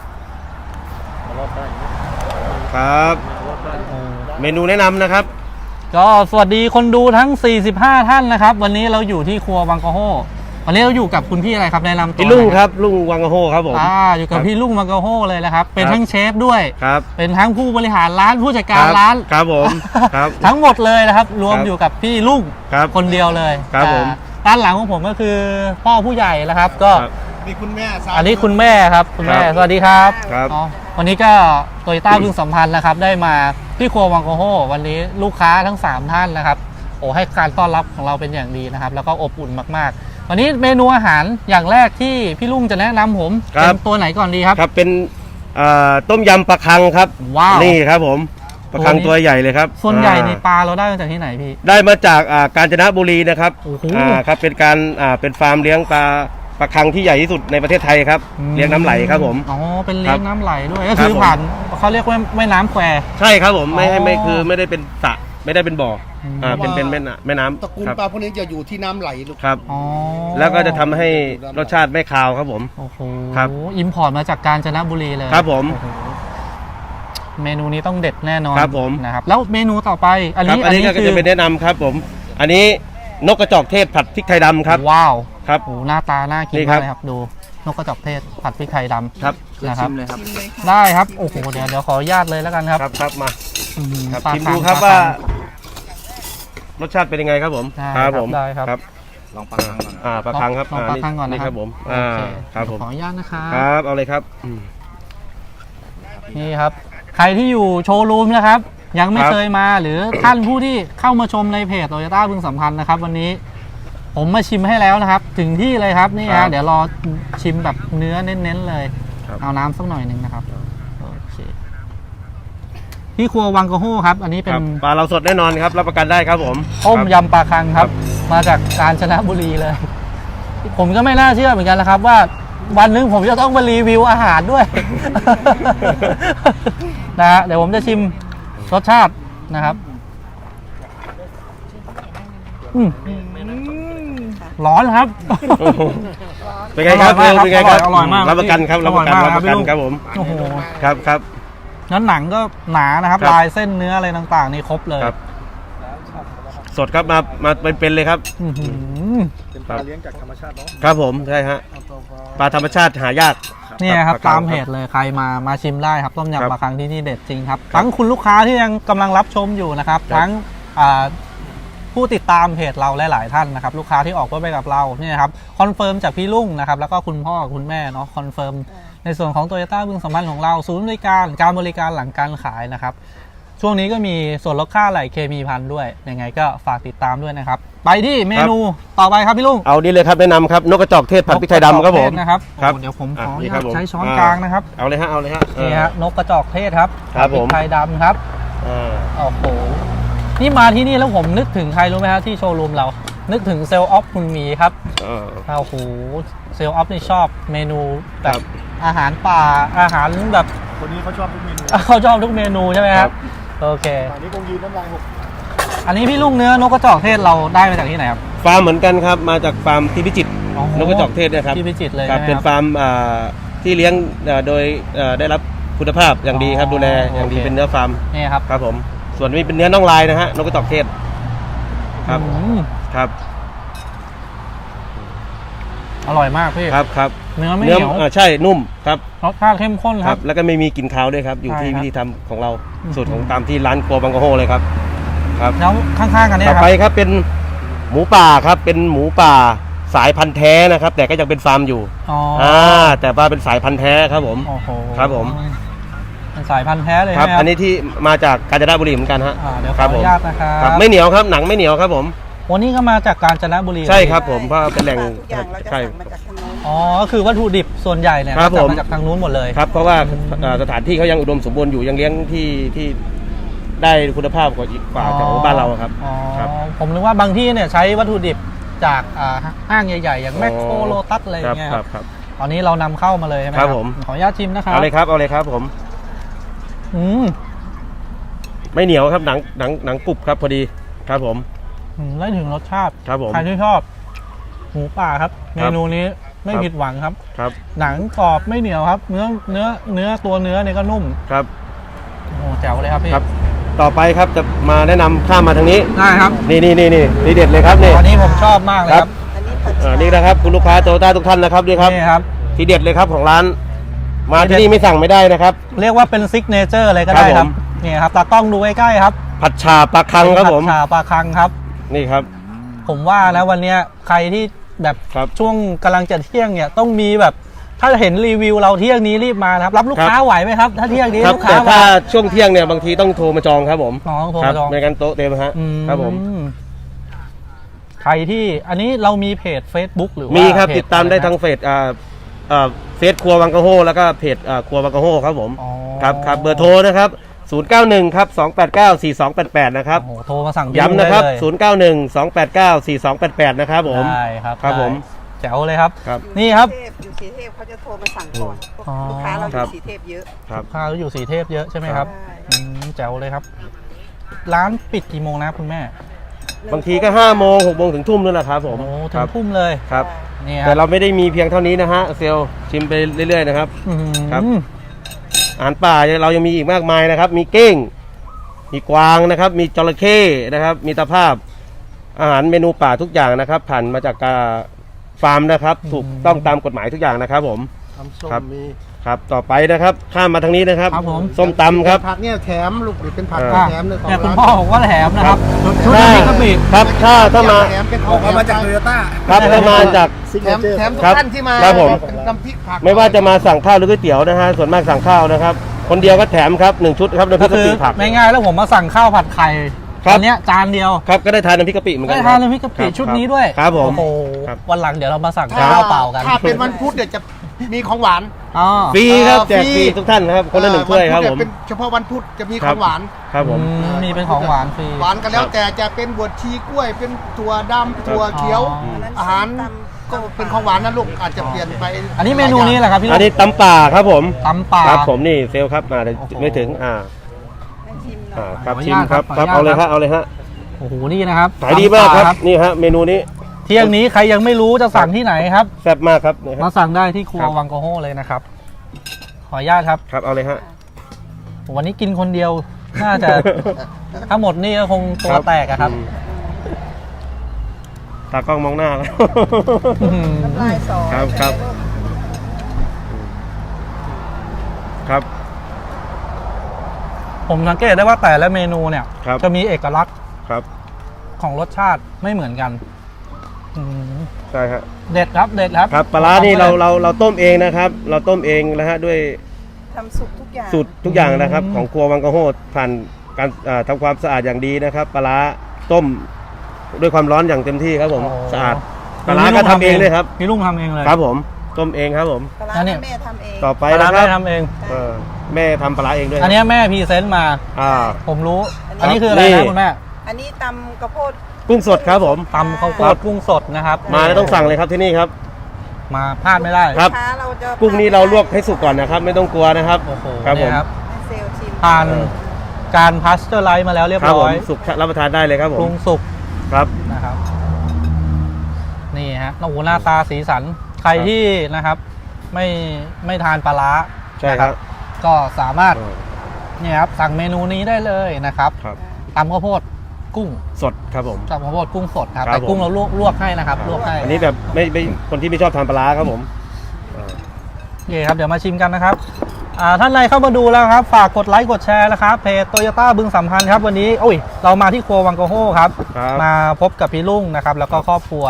Speaker 6: ครับ
Speaker 2: โอ้
Speaker 6: เมนูแนะนำนะครับ
Speaker 2: ก็สวัสดีคนดูทั้งสี่สิบห้าท่านนะครับ วันนี้เราอยู่ที่ครัวบางกะโฮวันนี้เราอยู่กับคุณพี่อะไรครับแนะนำตัว
Speaker 6: พี่ลุง
Speaker 2: หน่อย
Speaker 6: ครับลุงวังกะโฮครับผม
Speaker 2: อ่าอยู่กับพี่ลุงบางกะโฮเลยนะครับ เป็น
Speaker 6: ครับ
Speaker 2: ทั้งเชฟด้วย
Speaker 6: ครับ
Speaker 2: เป็นทั้งผู้บริหารร้านผู้จัดการ
Speaker 6: คบ
Speaker 2: ร้าน
Speaker 6: ครับผมครับ
Speaker 2: ทั้งหมดเลยนะครับ รวม
Speaker 6: ครับ
Speaker 2: อยู่กับพี่ลุง
Speaker 6: ครับ
Speaker 2: คนเดียวเลย
Speaker 6: ครับผม
Speaker 2: อ่าด้านหลังของผมก็คือพ่อผู้ใหญ่นะครับ ก็
Speaker 6: ครับ
Speaker 4: มีคุณแม่สาว
Speaker 2: อันนี้คุณแม่ครับคุณแม่
Speaker 6: ครับ
Speaker 2: สวัสดีครับ
Speaker 6: ครับ
Speaker 2: อ๋อวันนี้ก็โตโยต้าบึงสัมพันธ์นะครับ ได้มาที่ครัววังโกโฮวันนี้ลูกค้าทั้งสามท่านนะครับโอ้ให้การต้อนรับของเราเป็นอย่างดีนะครับ แล้วก็อบอุ่นมากๆ วันนี้เมนูอาหารอย่างแรกที่พี่ลุงจะแนะนำผม
Speaker 6: ครั
Speaker 2: เป็
Speaker 6: บ
Speaker 2: นตัวไหนก่อนดีครับ
Speaker 6: ครับเป็นอ่าต้มยำปลาคังครับ
Speaker 2: ว้าว
Speaker 6: นี่ครับผมปลาคัง
Speaker 2: ตัวนี้
Speaker 6: ตัวใหญ่เลยครับ
Speaker 2: ส่วนใหญ่ใน
Speaker 6: อ่า
Speaker 2: ปลาเราได้มาจากที่ไหนพี่
Speaker 6: ได้มาจากอ่ากาญจนบุรีนะครับ
Speaker 2: โอ้โห
Speaker 6: อ่าครับเป็นการอ่าเป็นฟาร์มเลี้ยงปลาปลาคังที่ใหญ่ที่สุดในประเทศไทยครับเลี้ยงน้ำไหลครับผม
Speaker 2: อ๋อเป็นเลี้ย
Speaker 6: ครั
Speaker 2: ง
Speaker 6: บ
Speaker 2: น้ำไหลด้วยก็
Speaker 6: ครั
Speaker 2: คื
Speaker 6: บ
Speaker 2: อ
Speaker 6: ผม
Speaker 2: ผ่านเขาเรียกว่าแม่น้ำแคว
Speaker 6: ใช่ครับผมไม่
Speaker 2: อ๋อ
Speaker 6: ให้ไม่คือไม่ได้เป็นสระไม่ได้เป็นบ่ออ
Speaker 2: ม
Speaker 6: อ่าเป็นเป็นแม่น้ำแม่น้ำ
Speaker 4: ตระกูล
Speaker 6: ครับ
Speaker 4: ปลาพวกนี้จะอยู่ที่น้ำไหลลูก
Speaker 6: ครับ
Speaker 2: อ๋อ
Speaker 6: แล้วก็จะทำให้รสชาติไม่คาวครับผม
Speaker 2: โอ้โห
Speaker 6: ครับ
Speaker 2: อิมพอร์ตมาจากกาญจนบุรีเลย
Speaker 6: ครับผม
Speaker 2: โอ้โหเมนูนี้ต้องเด็ดแน่นอน
Speaker 6: ครับผม
Speaker 2: นะครับ แล้วเมนูต่อไป อัน
Speaker 6: ครับ
Speaker 2: นี้
Speaker 6: อันนี้ก็
Speaker 2: คื
Speaker 6: จะเป็นแนะนำครับผม อันนี้นกกระจอกเทศผัดพริกไทยดำครับ
Speaker 2: ว้าว
Speaker 6: ครับ
Speaker 2: โอ้โหหน้าตาน่ากิน
Speaker 6: นี่ครั
Speaker 2: มา
Speaker 6: บ
Speaker 2: กเลยครับดูนกกระจอกเทศผัดพริกไทยดำ
Speaker 6: ครับ
Speaker 2: นะครับ
Speaker 1: ชิมเลยครับ
Speaker 2: ได้ครับโอ้โหเดี๋ยวเดี๋ยวขออนุญาตเลยแล้วกันครับ
Speaker 6: ครับครับมา
Speaker 2: อื้อหือ
Speaker 6: ครับ
Speaker 2: ปลา
Speaker 6: ชิม
Speaker 2: คัง
Speaker 6: ดูครับ
Speaker 2: ปล
Speaker 6: ว่า
Speaker 2: คัง
Speaker 6: รสชาติเป็นยังไงครับผม
Speaker 2: ได้ครับได้ครับ
Speaker 6: ครับ
Speaker 1: ลองปลาคังก่อน
Speaker 6: อ่าปลาคังครับ
Speaker 2: ลองปลาคังก่อน
Speaker 6: นี่
Speaker 2: นะ
Speaker 6: ค
Speaker 2: ค
Speaker 6: รั
Speaker 2: รั
Speaker 6: บบ ผม
Speaker 2: โอ
Speaker 6: อ่า
Speaker 2: เค
Speaker 6: ครับผม
Speaker 2: ขออนุญาตนะครับ
Speaker 6: ครับเอาเลยครับอืม
Speaker 2: นี่ครับ ใครที่อยู่โชว์รูมนะครับ ยังไม่
Speaker 6: ครับ
Speaker 2: เคยมาหรือท่านผู้ที่เข้ามาชมในเพจโตโยต้าบึงสัมพันธ์นะครับ วันนี้ผมมาชิมให้แล้วนะครับ ถึงที่เลยครับนี่
Speaker 6: ครั
Speaker 2: ฮะ
Speaker 6: บ
Speaker 2: เดี๋ยวรอชิมแบบเนื้อเน้นๆเลย
Speaker 6: ครับ
Speaker 2: เอาน้ำสักหน่อยหนึ่งนะครับโอเคที่ครัววังกะโฮครับ อันนี้เป็
Speaker 6: คน รับปลาเราสดแน่นอนครับรับประกันได้ครับผม
Speaker 2: ต้ม
Speaker 6: ครับ
Speaker 2: ยำปลาคังครับ มาจากกาญจนบุรีเลย ผมก็ไม่น่าเชื่อเหมือนกันนะครับ ว่าวันหนึงผมจะต้องมารีวิวอาหารด้วย นะฮะเดี๋ยวผมจะชิมรสชาตินะครับอืมร้อนครับ
Speaker 6: เป็นไงครับ
Speaker 2: อร่อยมาก
Speaker 6: เป็นไงครับ
Speaker 2: อร่อยมาก
Speaker 6: รับประกันครับรับประกัน
Speaker 2: อร่
Speaker 6: รั
Speaker 2: อย
Speaker 6: บ
Speaker 2: มาก
Speaker 6: ประกัน
Speaker 2: ครับ
Speaker 6: ครับผม
Speaker 2: โอ้โห
Speaker 6: ครับครับ
Speaker 2: นั้นหนังก็หนานะครับ
Speaker 6: ครับ
Speaker 2: ลายเส้นเนื้ออะไรต่างๆนี่ครบเลย
Speaker 6: ครับ สดครับมามาเป็นๆเลยครับ
Speaker 2: อื้อหือ
Speaker 5: เป็นปลาเลี้ยงจากธรรมชาติเนาะ
Speaker 6: ครับผมใช่ฮะปลาธรรมชาติหายาก
Speaker 2: เนี่ยครับ
Speaker 6: ปลาคัง
Speaker 2: ตามเพจเลยใครมามาชิมได้ครับต้ม
Speaker 6: ครับ
Speaker 2: ยำปลาคังที่นี่เด็ดจริงครับทั้งคุณลูกค้าที่ยังกำลังรับชมอยู่นะครับ
Speaker 6: ครับ
Speaker 2: ทั้งอ่าผู้ติดตามเพจเราหลายๆท่านนะครับ ลูกค้าที่ออกรถไปกับเราเนี่ยครับคอนเฟิร์มจากพี่ลุงนะครับแล้วก็คุณพ่อคุณแม่เนาะคอนเฟิร์มในส่วนของโตโยต้าบึงสัมพันธ์ของเราศูนย์บริการการบริการหลังการขายนะครับ ช่วงนี้ก็มีส่วนลดค่าไหลเคมีพันด้วยยังไงก็ฝากติดตามด้วยนะครับ ไปที่เมนูต่อไปครับพี่ลุง
Speaker 6: เอานี่เลยครับแนะนำครับนกกระจอกเทศผัดพริกไทยดำครับผม
Speaker 2: นะครับ
Speaker 6: ครับ
Speaker 2: โอ้เดี๋ยวผมขออนุ
Speaker 6: นี่
Speaker 2: ญา
Speaker 6: ครั
Speaker 2: ต
Speaker 6: บผม
Speaker 2: ใช้ช้อน
Speaker 6: อ่าก
Speaker 2: ลางนะครับ
Speaker 6: เอาเลยฮะเอาเลยฮะ
Speaker 2: นี่ฮะนกกระจอกเทศครับ
Speaker 6: ครับผม
Speaker 2: พริกไทยดำครับ
Speaker 6: อ่า
Speaker 2: โอ้โหนี่มาที่นี่แล้วผมนึกถึงใครรู้ไหมฮะที่โชว์รูมเรา นึกถึงเซลล์ออฟคุณหมีครับ
Speaker 6: อ่า
Speaker 2: โอ้โหเซลล์ออฟนี่ชอบเมนูแบ
Speaker 6: ครับ บ
Speaker 2: อาหารป่าอาหารแบบ
Speaker 5: คนนี้เขาชอบทุกเมนู
Speaker 2: เขาชอบทุกเมนูใช่ไหมค
Speaker 6: ครั
Speaker 2: รับบ โอเค
Speaker 5: ป่านนี้คงยืนน้ำลายหก
Speaker 2: อันนี้พี่ลุงเนื้อนกกระจอกเทศเราได้มาจากที่ไหนครับ
Speaker 6: ฟาร์มเหมือนกันครับมาจากฟาร์มที่พิจิตร
Speaker 2: อ๋อ
Speaker 6: นกกระจอกเทศเนะครับ
Speaker 2: ที่พิจิตรเลย
Speaker 6: ครับ
Speaker 2: ใช่ไหม
Speaker 6: เป็น
Speaker 2: ครับ
Speaker 6: ฟาร์มอ่าที่เลี้ยงอ่าโดยอ่าได้รับคุณภาพอย่างดีครับ
Speaker 2: อ๋อ
Speaker 6: ดูแลอย่างดี
Speaker 2: โอเค
Speaker 6: เป็นเนื้อฟาร์ม
Speaker 2: นี่ครับ
Speaker 6: ครับผมส่วนนี้เป็นเนื้อน่องลายนะฮะนกกระจอกเทศครับ
Speaker 2: อืม
Speaker 6: ครับ
Speaker 2: อร่อยมากพี่
Speaker 6: ครับครับ
Speaker 2: เนื้อไม่เหนียว
Speaker 6: อ่าใช่นุ่มครับ
Speaker 2: รสชาติเข้มข้น
Speaker 6: ค
Speaker 2: ค
Speaker 6: รั
Speaker 2: รั
Speaker 6: บบ แล้วก็ไม่มีกลิ่นคาวด้วยครับอยู่ที่
Speaker 2: ใช่ครับ
Speaker 6: วิธีทำของเรา
Speaker 2: อืม
Speaker 6: สูตรของตามที่ร้านครัวบางกะโฮเลยครับครับ
Speaker 2: แล้วข้างๆกันเนี่ย
Speaker 6: ต่อ
Speaker 2: ครับ
Speaker 6: ไปครับเป็นหมูป่าครับเป็นหมูป่าสายพันธุ์แท้นะครับ แต่ก็ยังเป็นฟาร์มอยู่
Speaker 2: อ๋อ
Speaker 6: อ่าแต่ว่าเป็นสายพันธุ์แท้ครับผม
Speaker 2: โอ้โห
Speaker 6: ครับผม
Speaker 2: มันสายพันธุ์แท้เลย
Speaker 6: ครับ
Speaker 2: ใช่ไหม
Speaker 6: อันนี้ที่มาจากกาญจนบุรีเหมือนกันฮะ
Speaker 2: อ่าเดี๋ยวข
Speaker 6: ค
Speaker 2: อ
Speaker 6: รับ
Speaker 2: อ
Speaker 6: ผม
Speaker 2: นุญาตนะครับ
Speaker 6: ครับไม่เหนียวครับหนังไม่เหนียวครับผม
Speaker 2: วันนี้ก็มาจากกาญจนบุรี
Speaker 6: ใช่ครับผมเพราะเป็นแหล่ง
Speaker 3: ทุกอย่างเราจะ
Speaker 6: ใช่
Speaker 3: สั่งมาจากทางโน้น
Speaker 2: อ๋อก็คือวัตถุดิบส่วนใหญ่เนี่ย
Speaker 6: ครับ
Speaker 2: ก็
Speaker 6: ผม
Speaker 2: มาจากทางนู้นหมดเลย
Speaker 6: ครับเพราะว่าเอ่อสถานที่เขายังอุดมสมบูรณ์อยู่ยังเลี้ยงที่ที่ได้คุณภาพกว่าอีกกว่าแถวบ้านเราครับ
Speaker 2: อ๋อ
Speaker 6: ครับ
Speaker 2: ผมนึกว่าบางที่เนี่ยใช้วัตถุดิบจากอ่าห้างใหญ่ๆ อย่างแมคโคร
Speaker 6: อ๋อ
Speaker 2: โลตัสอะไรอ
Speaker 6: ครั
Speaker 2: ย่างเงี้ย
Speaker 6: ค
Speaker 2: ค
Speaker 6: รั
Speaker 2: รั
Speaker 6: บบ ครับ
Speaker 2: ตอนนี้เรานำเข้ามาเลยใช่ไหม
Speaker 6: ครับผม
Speaker 2: ขออนุญาตชิมนะครับ
Speaker 6: เอาเลยครับเอาเลยครับผม
Speaker 2: อืม
Speaker 6: ไม่เหนียวครับหนังหนังหนังกรุบครับพอดีครับผม
Speaker 2: อืมได้ถึงรสชาติ
Speaker 6: ครับผม
Speaker 2: ใครที่ชอบหมูป่าครับ เมนูนี้ไม่
Speaker 6: ครับ
Speaker 2: ผิดหวังครับ
Speaker 6: ครับ
Speaker 2: หนังกรอบไม่เหนียวครับ เนื้อเนื้อเนื้อตัวเนื้อเนี่ยก็นุ่ม
Speaker 6: ครับ
Speaker 2: โอ้แจ๋วเลยครับพี่
Speaker 6: ครับ ต่อไปครับจะมาแนะนำข้ามมาทางนี้
Speaker 2: ได้ครับ
Speaker 6: นี่นี่นี่นี่นี่เด็ดเลยครับนี่
Speaker 2: อันนี้ผมชอบมากเลยครับ
Speaker 3: อันนี้ผัด
Speaker 6: อ่า
Speaker 3: ฉ่า
Speaker 6: นี่นะครับคุณลูกค้าโตโยต้าทุกท่านนะครับนี่ครับ
Speaker 2: นี่ครับ
Speaker 6: ทีเด็ดเลยครับของร้าน มาที่นี่ไม่สั่งไม่ได้นะครับ
Speaker 2: เรียกว่าเป็นซิกเนเจอร์เลยก็ได้
Speaker 6: ค
Speaker 2: ค
Speaker 6: รั
Speaker 2: รั
Speaker 6: บบ ผม
Speaker 2: นี่ครับตากล้องดูใกล้ๆครับ
Speaker 6: ผัดฉ่าปลาคังครับผม
Speaker 2: ผัดฉ่าปลาคังครับ
Speaker 6: นี่ครับ
Speaker 2: ผมว่านะวันเนี้ยใครที่แบบ
Speaker 6: ครับ
Speaker 2: ช่วงกำลังจะเที่ยงเนี่ยต้องมีแบบ ถ้าเห็นรีวิวเราเที่ยงนี้รีบมานะครับ รับลูกค้าไหวไหมครับ ถ้าเที่ยงนี้
Speaker 6: ครับ
Speaker 2: ลูก
Speaker 6: แต่
Speaker 2: ค้า
Speaker 6: ถ้า
Speaker 2: มา
Speaker 6: ช่วงเที่ยงเนี่ยบางทีต้องโทรมาจองครับผม
Speaker 2: น้องโทร
Speaker 6: ครั
Speaker 2: มาจอง
Speaker 6: ไม่งั้นโต๊ะเต็มฮะ
Speaker 2: อื
Speaker 6: ครับผม
Speaker 2: ใครที่อันนี้เรามีเพจ Facebook หรือว่า
Speaker 6: มีครับ
Speaker 2: เพจ
Speaker 6: ติดตามได้
Speaker 2: อะรนะ
Speaker 6: ทางเฟซอ่าอ่าเฟซครัววังกะโฮแล้วก็เพจอ่าครัววังกะโฮครับผม
Speaker 2: อ๋อ
Speaker 6: ครับครับเบอร์โทรนะครับศูนย์ เก้า หนึ่ง ครับ สอง แปด เก้า สี่ สอง แปด แปด นะครับ
Speaker 2: โอ้โหโทรมาสั่ง
Speaker 6: ย้ำนะครับ
Speaker 2: ได้เลย
Speaker 6: ศูนย์ เก้า หนึ่ง สอง แปด เก้า สี่ สอง แปด แปด นะครับผม
Speaker 2: ได้ครับ
Speaker 6: ครับ
Speaker 2: ได้
Speaker 6: ผม
Speaker 2: แจ๋วเลยครับ
Speaker 6: ครับ
Speaker 2: นี่ครับ
Speaker 3: อยู่สีเทพเขาจะโทรมาสั่งก่อน
Speaker 2: อ๋อ
Speaker 3: ลูกค้าเราอ
Speaker 6: ครั
Speaker 3: ยู่
Speaker 6: บ
Speaker 3: สีเทพเยอะ
Speaker 6: ครับ
Speaker 2: ข้าวอยู่สีเทพเยอะใช่ไหมครับ
Speaker 3: ใช่
Speaker 2: อืมแจ๋วเลยครับ ร้านปิดกี่โมงนะคุณแม่
Speaker 6: บางทีก็ห้าโมงหกโมงถึงทุ่มนั่นแหละครับผม
Speaker 2: โอ้ถึ
Speaker 6: ครั
Speaker 2: ง
Speaker 6: บ
Speaker 2: ทุ่มเลย
Speaker 6: ครับ
Speaker 2: นี่ค
Speaker 6: แต่
Speaker 2: รับ
Speaker 6: เราไม่ได้มีเพียงเท่านี้นะฮะเซลล์ชิมไปเรื่อยๆนะครับ
Speaker 2: อืม
Speaker 6: ครับ อาหารป่าเรายังมีอีกมากมายนะครับ มีเก้ง มีกวางนะครับ มีจระเข้นะครับ มีตะภาพ อาหารเมนูป่าทุกอย่างนะครับ ผ่านมาจากการฟาร์มนะครับ ถูกต้องตามกฎหมายทุกอย่างนะครับผม
Speaker 5: ทำส้ม
Speaker 6: ครับ
Speaker 5: มี
Speaker 6: ครับ ต่อไปนะครับ ข้ามมาทางนี้นะครับ
Speaker 2: ครับผม
Speaker 6: ส้มตำครับ
Speaker 5: ผักเนี่ยแถมลูกหรือเป็นผัก
Speaker 6: อ่า
Speaker 5: แถมเลยของ
Speaker 2: เนี่ยคุณ
Speaker 5: ร้าน
Speaker 2: พ่อบอกว่าแถมนะครับชุด
Speaker 6: ถ้า
Speaker 2: นี้ก็ปิด
Speaker 6: ครับ ถ้าถ้ามา
Speaker 5: แถมเป็นของ
Speaker 4: เอามาจากโตโยต้า
Speaker 6: ครับถ้ามาจาก
Speaker 5: ซิก
Speaker 4: แถ
Speaker 5: เน
Speaker 4: ม
Speaker 5: เจอร์
Speaker 4: แถมทุก
Speaker 6: ครับ
Speaker 4: ท่านที่มา
Speaker 6: ครับผม
Speaker 4: เป็นน้ำพริกผัก
Speaker 6: ไม่ว่าจะมาสั่งข้าวหรือก๋วยเตี๋ยวนะฮะ ส่วนมากสั่งข้าวนะครับ คนเดียวก็แถมครับหนึ่งชุดครับน้ำพริ
Speaker 2: ก็
Speaker 6: กกะ
Speaker 2: คือ
Speaker 6: ปิผัก
Speaker 2: ง่ายๆแล้วผมมาสั่งข้าวผัดไข่
Speaker 6: ครับ
Speaker 2: อันเนี้ยจานเดียว
Speaker 6: ครับ ก็ได้ทานน้ำพริกกะปิเหมือนกั
Speaker 2: ได้
Speaker 6: น
Speaker 2: ทาน
Speaker 6: ครับ
Speaker 2: น้ำพริกกะปิ
Speaker 6: ครับ
Speaker 2: ชุดนี้ด้วย
Speaker 6: ครับผม
Speaker 2: โอ้โห
Speaker 6: ครับ
Speaker 2: วันหลังเดี๋ยวเรามาสั่ง
Speaker 4: ถ้า
Speaker 2: ข้าวเปล่ากัน
Speaker 4: ถ้าเป็นวันพุธเดี๋ยวจะมีของหวาน
Speaker 2: อ๋อ
Speaker 6: ฟรีครับ
Speaker 4: เอ่อ
Speaker 6: แจกฟ
Speaker 4: ฟรี
Speaker 6: รีทุกท่านครับ คนละหนึ่งถ้วยครับ
Speaker 4: น
Speaker 6: ผ
Speaker 4: พุธ
Speaker 6: ม
Speaker 4: เนี่ยเป็นเฉพาะวันพุธจะมี
Speaker 6: ค
Speaker 4: ข
Speaker 6: รั
Speaker 4: อบ งหวาน
Speaker 6: ครับผม
Speaker 2: อืมมีเป็นของหวานฟรี
Speaker 4: หวานกันแล้ว
Speaker 6: ครับ
Speaker 4: แต่จะเป็นบวชชีกล้วย เป็นถั่วดำถั่วเขียว
Speaker 2: อ๋อ
Speaker 4: อาหารก็เป็นของหวานนะลูกอาจจะเปลี่ยนไป
Speaker 2: อันนี้เมนูนี้แหละครับพี่ลู
Speaker 6: อั
Speaker 2: ก
Speaker 6: นนี้ตำป่าครับผม
Speaker 2: ตำป่า
Speaker 6: ครับผมนี่เซลลครับมาเดี๋ยว
Speaker 2: โอ้โห
Speaker 6: ไม่ถึงอ่า
Speaker 3: ให้ชิมหน่
Speaker 6: อ่า
Speaker 3: อย
Speaker 6: ครับ
Speaker 2: ขออนุ
Speaker 6: ชิม
Speaker 2: ญาต
Speaker 6: ครับ
Speaker 2: ค
Speaker 6: ค
Speaker 2: รั
Speaker 6: รั
Speaker 2: บบ ขออนุญาต
Speaker 6: เอาเลยฮะเอาเลยฮะ
Speaker 2: โอ้โหนี่นะครับ
Speaker 6: ขายดีมากครับ
Speaker 2: ตำป่
Speaker 6: นี่ฮะเมนูนี้
Speaker 2: เที่ยงนี้ใครยังไม่รู้จะสั่งที่ไหนครับ
Speaker 6: แซ่บมากครับนี่ค
Speaker 2: มา
Speaker 6: รับ
Speaker 2: สั่งได้ที่ครัว
Speaker 6: ครับ
Speaker 2: วังโกโฮเลยนะครับ ขออนุญาตครับ
Speaker 6: ครับเอาเลยฮะ
Speaker 2: วันนี้กินคนเดียว น่าจะ ถ้าหมดนี่ก็คงตัวแตกอะครับ
Speaker 6: อืมตากล้องมองหน้าแล้ว
Speaker 3: น้ำลายสอ
Speaker 6: ครับครับ ครับ
Speaker 2: ผมสังเกตได้ว่าแต่ละเมนูเนี่ย
Speaker 6: ครับ
Speaker 2: จะมีเอกลักษณ์
Speaker 6: ครับ
Speaker 2: ของรสชาติไม่เหมือนกันอืม
Speaker 6: ใช่ฮะ
Speaker 2: เด็ดครับเด็ดครับ
Speaker 6: ครับปลาร้านี่เราเราเราต้มเองนะครับ เราต้มเองนะฮะด้วย
Speaker 3: ทำสุกทุกอย่าง
Speaker 6: สูตรทุกอย่างนะครับ ของครัววังกะโฮดผ่านการอ่าทำความสะอาดอย่างดีนะครับปลาร้าต้มด้วยความร้อนอย่างเต็มที่ครับผม
Speaker 2: โอ้
Speaker 6: สะอาดปลาร้าก็ทำเองเลยครับ
Speaker 2: พี่ลุงทำเองเลย
Speaker 6: ครับผมต้มเองครับผม
Speaker 3: ปลาร้า
Speaker 2: อันนี้
Speaker 3: แม่ทำเอง
Speaker 6: ต่อไป
Speaker 2: ปลาร้า
Speaker 6: นะค
Speaker 2: แม่
Speaker 6: รับ
Speaker 2: ทำเอง
Speaker 6: เออแม่ทำปลาร้าเองด้วย
Speaker 2: อันเนี้ยแม่พรีเซนต์มา
Speaker 6: อ่า
Speaker 2: ผมรู้
Speaker 6: ครับ
Speaker 2: อันนี้คืออะไร
Speaker 6: นี่
Speaker 2: นะคุณแม่
Speaker 3: อันนี้ตำกระโพด
Speaker 6: กุ้งสดครับผม
Speaker 2: ตำข้าวโพ
Speaker 6: ครั
Speaker 2: ด
Speaker 6: บ
Speaker 2: กุ้งสดนะครับ
Speaker 6: มาแล้วต้องสั่งเลยครับที่นี่ครับ
Speaker 2: มาพลาดไม่ได้
Speaker 6: ครับ
Speaker 3: ลูกค้าเราจะ
Speaker 6: กุ้งนี้เราลวกให้สุกก่อนนะครับ ไม่ต้องกลัวนะครับ
Speaker 2: โอ้โห
Speaker 6: ครับผม
Speaker 2: เนี่ยครับ
Speaker 3: ให้เซลล์ชิม
Speaker 2: ผ่านการพาสเจอร์ไลท์มาแล้วเรียบ
Speaker 6: ครับผ
Speaker 2: ร้
Speaker 6: ม
Speaker 2: อย
Speaker 6: สุกรับประทานได้เลยครับผ
Speaker 2: ปรุ
Speaker 6: ม
Speaker 2: งสุก
Speaker 6: ครับ
Speaker 2: นะครับ นี่ฮะโอ้โหหน้าตาสีสัน ใคร
Speaker 6: ครับ
Speaker 2: ที่นะครับ ไม่ไม่ทานปลาร้า
Speaker 6: ใช่ครับ
Speaker 2: นะก็สามารถ
Speaker 6: เออ
Speaker 2: เนี่ยครับสั่งเมนูนี้ได้เลยนะครับ
Speaker 6: ครับ
Speaker 2: ตำข้าวโพดกุ้ง
Speaker 6: สดครับผม
Speaker 2: ตำข้าวโพดกุ้งสดครับ
Speaker 6: ครับ
Speaker 2: แต่กุ้ง
Speaker 6: ผม
Speaker 2: เราลวกลวกให้นะครับลวกให้
Speaker 6: อันนี้แบบไม่ไม่คนที่ไม่ชอบทานปลาร้าครับผมเออ
Speaker 2: โอเคครับเดี๋ยวมาชิมกันนะครับอ่าท่านใดเข้ามาดูแล้วครับ ฝากกดไลค์กดแชร์นะครับเพจโตโยต้าบึงสัมพันธ์ครับวันนี้โอ้ยเรามาที่ครัววังโกโฮครับ
Speaker 6: ครับ
Speaker 2: มาพบกับพี่ลุงนะครับ แล้วก็ครอบครัว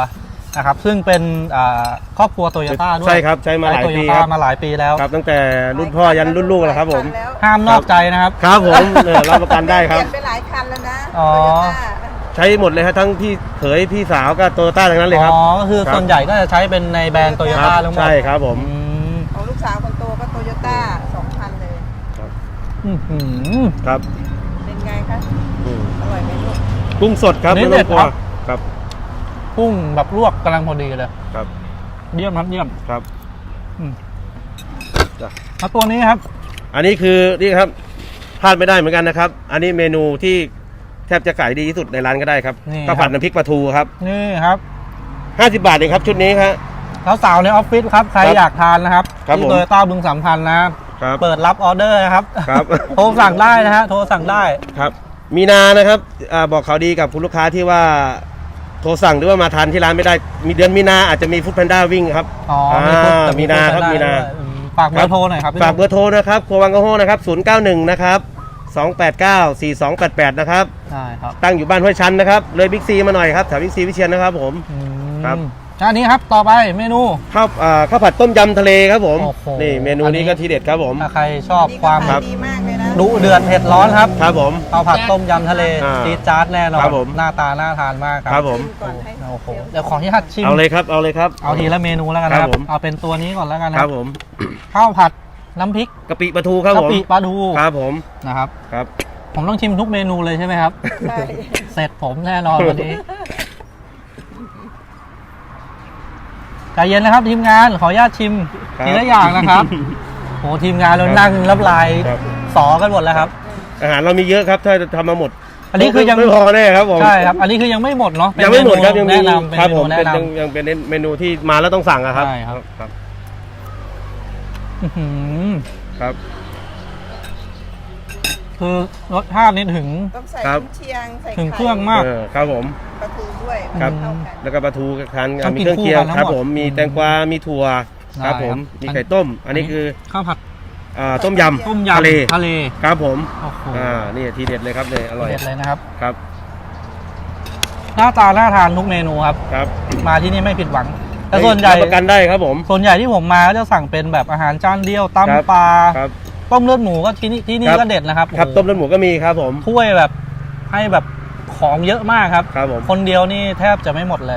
Speaker 2: นะครับซึ่งเป็นอ่าครอบครัวโตโยต้าด้วย
Speaker 6: ใช่ครับใช้มาหลาย
Speaker 2: โตโย
Speaker 6: ปี
Speaker 2: ต้า
Speaker 6: ครับ
Speaker 2: มาหลายปีแล้ว
Speaker 6: ครับตั้งแต่รุ่นพ่อยันรุ่นลูกแล้วครับผม
Speaker 3: แล้ว
Speaker 2: ห้ามนอกใจนะครับ
Speaker 6: ครับผมเออรับประกันได้ครับ
Speaker 3: เปลี่ยนไปหลายคันแล้วนะ
Speaker 2: อ๋อ
Speaker 3: โตโยต้า
Speaker 6: ใช้หมดเลยครับทั้งพี่เขยพี่สาวก็โตโยต้าทั้งนั้นเลยครับ
Speaker 2: อ๋อก็คือ
Speaker 6: ครับ
Speaker 2: ส่วนใหญ่ก็จะใช้เป็นในแบรนด์โตโย
Speaker 6: ครั
Speaker 2: ต้า
Speaker 6: บ
Speaker 2: ทั้งหมด
Speaker 6: ใช่ครับผม
Speaker 2: อืม
Speaker 3: ของลูกสาวคนโตก็โตโยต้าสองคันเลย
Speaker 2: อื้อหือ
Speaker 6: ครับ
Speaker 3: เป็นไงคะ
Speaker 6: อืม
Speaker 3: อร่อยไหมลูก
Speaker 6: กุ้งสดครับ
Speaker 2: นี่
Speaker 6: ไม่ต้องกลัว
Speaker 2: เด็ดครับ
Speaker 6: ครับ
Speaker 2: กุ้งแบบลวกกำลังพอดีเลย
Speaker 6: ครับ
Speaker 2: เยี่ยมครับเยี่ยม
Speaker 6: ครับ
Speaker 2: อืม
Speaker 6: จ้ะ
Speaker 2: แล้วตัวนี้ครับ
Speaker 6: อันนี้คือนี่ครับพลาดไม่ได้เหมือนกันนะครับ อันนี้เมนูที่แทบจะขายดีที่สุดในร้านก็ได้ครับ
Speaker 2: นี่
Speaker 6: ข้าวผัดน้ำพริกปลาทูครับ
Speaker 2: นี่ครับ
Speaker 6: ห้าสิบบาทเองครับชุดนี้ครับ
Speaker 2: แล้วสาวในออฟฟิศครับใคร
Speaker 6: ครับ
Speaker 2: อยากทานนะครับ
Speaker 6: ครับ
Speaker 2: ที่
Speaker 6: ผม
Speaker 2: โตโยต้าบึงสามพันนะ
Speaker 6: ครับ
Speaker 2: เปิดรับออเดอร์นะครับ
Speaker 6: ครับ
Speaker 2: โทรสั่งได้นะฮะโทรสั่งได้
Speaker 6: ครับมีนานะครับอาบอกข่าวดีกับคุณลูกค้าที่ว่าโทรสั่งหรือว่ามาทานที่ร้านไม่ได้ มีเดือนมีนาอาจจะมีฟู้ดแพนด้าวิ่งครับ
Speaker 2: อ๋อมีปุ๊บแต่
Speaker 6: มีนาครับ
Speaker 2: ได้
Speaker 6: มีนา
Speaker 2: ด้วยอืมฝากเบอร์โทรหน่อยครับพี่
Speaker 6: ฝากเบอร์โทรนะครับครัววังกะโฮนะครับศูนย์เก้าหนึ่งนะครับสองแปดเก้าสี่สองแปดแปดนะครับ
Speaker 2: ใช่ครับ
Speaker 6: ตั้งอยู่บ้านห้วยชันนะครับเลยบิ๊กซีมาหน่อยครับแถวบิ๊กซีวิเชียนนะครับผม
Speaker 2: อืม
Speaker 6: ครับ
Speaker 2: อันนี้ครับต่อไปเมนู
Speaker 6: ข้าวอ่าข้าวผัดต้มยำทะเลครับผม
Speaker 2: โอ้โห
Speaker 6: นี่เมนู
Speaker 2: อันนี้
Speaker 6: นี้ก็ทีเด็ดครับผม
Speaker 2: ถ้าใครชอบ
Speaker 3: นี่
Speaker 2: ความ
Speaker 3: ก็
Speaker 6: ครั
Speaker 3: ขาย
Speaker 6: บ
Speaker 3: ดีมากเลยนะ
Speaker 2: ดุเดือดเผ็ดร้อนครับ
Speaker 6: ครับผม
Speaker 2: ข้าวผัดต้มยำทะเล
Speaker 6: อ่า
Speaker 2: จี๊ดจ๊าดแน่นอน
Speaker 6: ครับผม
Speaker 2: หน้าตาน่าทานมากครั
Speaker 6: ครับผม
Speaker 3: ก่อนให้
Speaker 2: โอ้โหเดี๋ยวขอที่หัดชิม
Speaker 6: เอาเลยครับเอาเลยครับ
Speaker 2: เอาทีละเมนูแล้วกันนะครับ
Speaker 6: ครับผม
Speaker 2: เอาเป็นตัวนี้ก่อนแล้วกัน
Speaker 6: ค
Speaker 2: นะ
Speaker 6: รับผม
Speaker 2: ข้าวผัดน้ำพริก
Speaker 6: กะปิปลาทูครับ
Speaker 2: กะ
Speaker 6: ผม
Speaker 2: ปิปลาทู
Speaker 6: ครับผม
Speaker 2: นะครับ
Speaker 6: ครับ
Speaker 2: ผมต้องชิมทุกเมนูเลยใช่ไหมครับ
Speaker 3: ใช่
Speaker 2: เสร็จผมแน่นอนวันนี้ใจเย็นนะครับทีมงานขออนุญาตชิม
Speaker 6: ครับ
Speaker 2: ทีละอย่างนะครับโหทีมงานเรานั่งรับลาย
Speaker 6: ครับ
Speaker 2: สอกันหมดแล้วครับ
Speaker 6: อาหารเรามีเยอะครับถ้าจะทำมาหมด
Speaker 2: อันนี้คือยัง
Speaker 6: ไม่พอแน่ครับผม
Speaker 2: ใช่ครับ อันนี้คือยังไม่หมดเนาะเป็น
Speaker 6: ยังไม่หมดครับ
Speaker 2: เนู
Speaker 6: ยังมี
Speaker 2: แนะนำเป็น
Speaker 6: ครับ
Speaker 2: เม
Speaker 6: ผ
Speaker 2: นู
Speaker 6: ม
Speaker 2: แนะ
Speaker 6: เป็น
Speaker 2: น
Speaker 6: ยังยังเป็นเมนูที่มาแล้วต้องสั่งอะครับ
Speaker 2: ใช่ครับ
Speaker 6: ครับ
Speaker 2: ำอื้อหือ
Speaker 6: ครับ
Speaker 2: คือรสชาตินี่ถึง
Speaker 3: ต้องใส่
Speaker 6: ครับ
Speaker 3: กุนเชียงใส่
Speaker 2: ถึง
Speaker 3: ไข่
Speaker 2: เครื่องมาก
Speaker 6: เออครับผม
Speaker 3: ปลาทูด้วย
Speaker 6: ครับ
Speaker 3: มันเข้ากัน
Speaker 6: แล้วก็ปลาทูทาน
Speaker 2: ต้อง
Speaker 6: มี
Speaker 2: กิน
Speaker 6: เครื่องเคียง
Speaker 2: คู่กันทั้ง
Speaker 6: ครับ
Speaker 2: หมด
Speaker 6: ผมมี
Speaker 2: อืม
Speaker 6: แตงกวา มีถั่วครับผม
Speaker 2: ได้ครับ
Speaker 6: มีไข่ต้ม อันนี้คือ
Speaker 2: ข้าวผัด
Speaker 6: อ่าต้มยำ
Speaker 2: ต้มยำ
Speaker 6: ทะเล
Speaker 2: ทะเล
Speaker 6: ครับผม
Speaker 2: โอ้โห
Speaker 6: อ่านี่ทีเด็ดเลยครับเนี่ยอร่อย
Speaker 2: เด็ดเลยนะครับ
Speaker 6: ครับ
Speaker 2: หน้าตาน่าทานทุกเมนูครับ
Speaker 6: ครับ
Speaker 2: มาที่นี่ไม่ผิดหวัง แต่ส่วนใหญ่
Speaker 6: รับประกันได้ครับผม
Speaker 2: ส่วนใหญ่ที่ผมมาก็จะสั่งเป็นแบบอาหารจานเดียว
Speaker 6: ครับ
Speaker 2: ตำปลา
Speaker 6: ครับ
Speaker 2: ต้มเลือดหมูก็ที่นี่ที่นี่
Speaker 6: ครับ
Speaker 2: ก็เด็ดนะครับ
Speaker 6: ครับ
Speaker 2: โอ้โห
Speaker 6: ต้มเลือดหมูก็มีครับผม
Speaker 2: ถ้วยแบบให้แบบของเยอะมากครับ
Speaker 6: ครับผม
Speaker 2: คนเดียวนี่แทบจะไม่หมดเลย